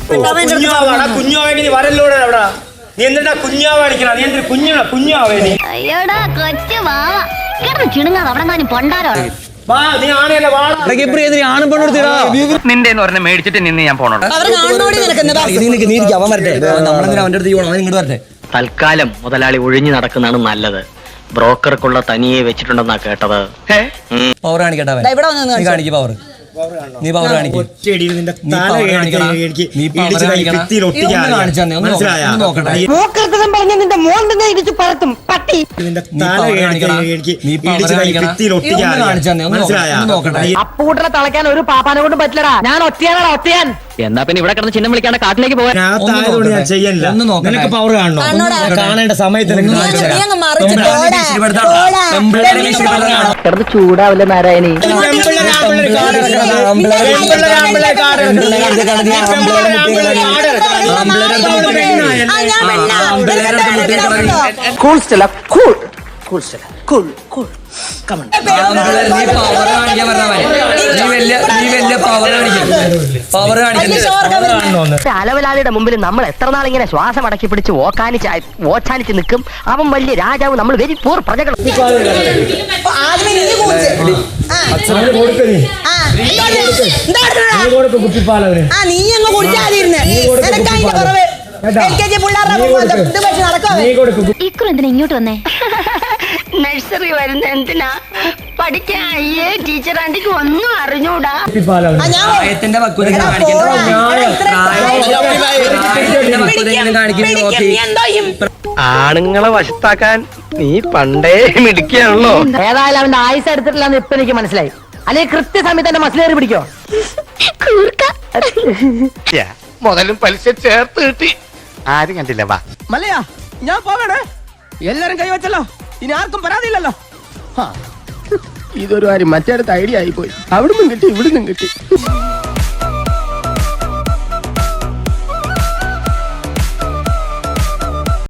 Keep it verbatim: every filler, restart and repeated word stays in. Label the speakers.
Speaker 1: കുഞ്ഞാവേണ്ടി നീ വരല്ലോടെ അവിടെ നീ എന്താ കുഞ്ഞാവാണിക്കണ നീ എന്തൊരു കുഞ്ഞാ കുഞ്ഞാവേ നീ
Speaker 2: അയ്യോടാ കൊച്ചു വാവ കിടന്ന് ചിണുങ്ങാതെ അവിടെ ഞാൻ പൊണ്ടാരോ
Speaker 3: നിന്റെ എന്ന് പറഞ്ഞ മേടിച്ചിട്ട് നിന്ന് ഞാൻ പോണോ തൽക്കാലം മുതലാളി ഒഴിഞ്ഞു നടക്കുന്നതാണ് നല്ലത്. ബ്രോക്കർക്കുള്ള തനിയെ വെച്ചിട്ടുണ്ടെന്നാ കേട്ടത്.
Speaker 4: പവർ കാണിക്കട്ടെ കാണിക്കും പവർ നീ പവർ കാണിക്കും
Speaker 5: അപ്പൂട്ടനെ തളയ്ക്കാൻ ഒരു പാപ്പാനെ കൊണ്ട് പറ്റില്ലടാ. ഞാൻ ഒറ്റയാനാടാ ഒറ്റയാൻ.
Speaker 3: എന്നാ പിന്നെ ഇവിടെ കിടന്ന് ചിഹ്നം വിളിക്കാണ്ട് കാട്ടിലേക്ക് പോകാൻ
Speaker 1: ഞാൻ ചെയ്യല്ല. നിനക്ക് പവർ കാണണോ? കാണേണ്ട സമയത്ത്
Speaker 5: കിടന്ന് ചൂടാവില്ല Narayani.
Speaker 4: Cool Stella cool cool Stella cool cool
Speaker 5: അലവലാളിയുടെ മുമ്പിൽ നമ്മൾ എത്ര നാൾ ഇങ്ങനെ ശ്വാസം അടക്കി പിടിച്ച് ഓക്കാനിച്ച് ഓച്ചാനിച്ച് നിൽക്കും. അവൻ വലിയ രാജാവ്, നമ്മൾ വെരി പൂർ പ്രജകൾ.
Speaker 2: ഇക്കുറെന്തിനാ ഇങ്ങോട്ട് വന്നേ?
Speaker 5: നഴ്സറി വരുന്ന എന്തിനാ? പഠിക്കാൻ അയ്യേ ടീച്ചർ ആന്റിക്ക് ഒന്നും അറിഞ്ഞൂടാ.
Speaker 3: ആണുങ്ങളെ വശത്താക്കാൻ നീ പണ്ടേ മിടിക്കുകയാണല്ലോ.
Speaker 5: ഏതായാലും അവന്റെ ആയുസ് എടുത്തിട്ടില്ലെന്ന് ഇപ്പൊ എനിക്ക് മനസ്സിലായി. അല്ലെങ്കിൽ കൃത്യസമയത്ത് തന്നെ മസിലേറി പിടിക്കോ?
Speaker 3: മുതലും പലിശ ചേർത്ത് കിട്ടി. ആരും കണ്ടില്ല. വാ
Speaker 4: മല്ലയാ, ഞാൻ പോകണേ. എല്ലാരും കൈവച്ചല്ലോ, ഇനി ആർക്കും പരാതിയില്ലല്ലോ.
Speaker 6: ഇതൊരു കാര്യം മറ്റേടത്ത് ഐഡിയ ആയി പോയി. അവിടുന്നും കിട്ടി ഇവിടുന്നും കിട്ടി.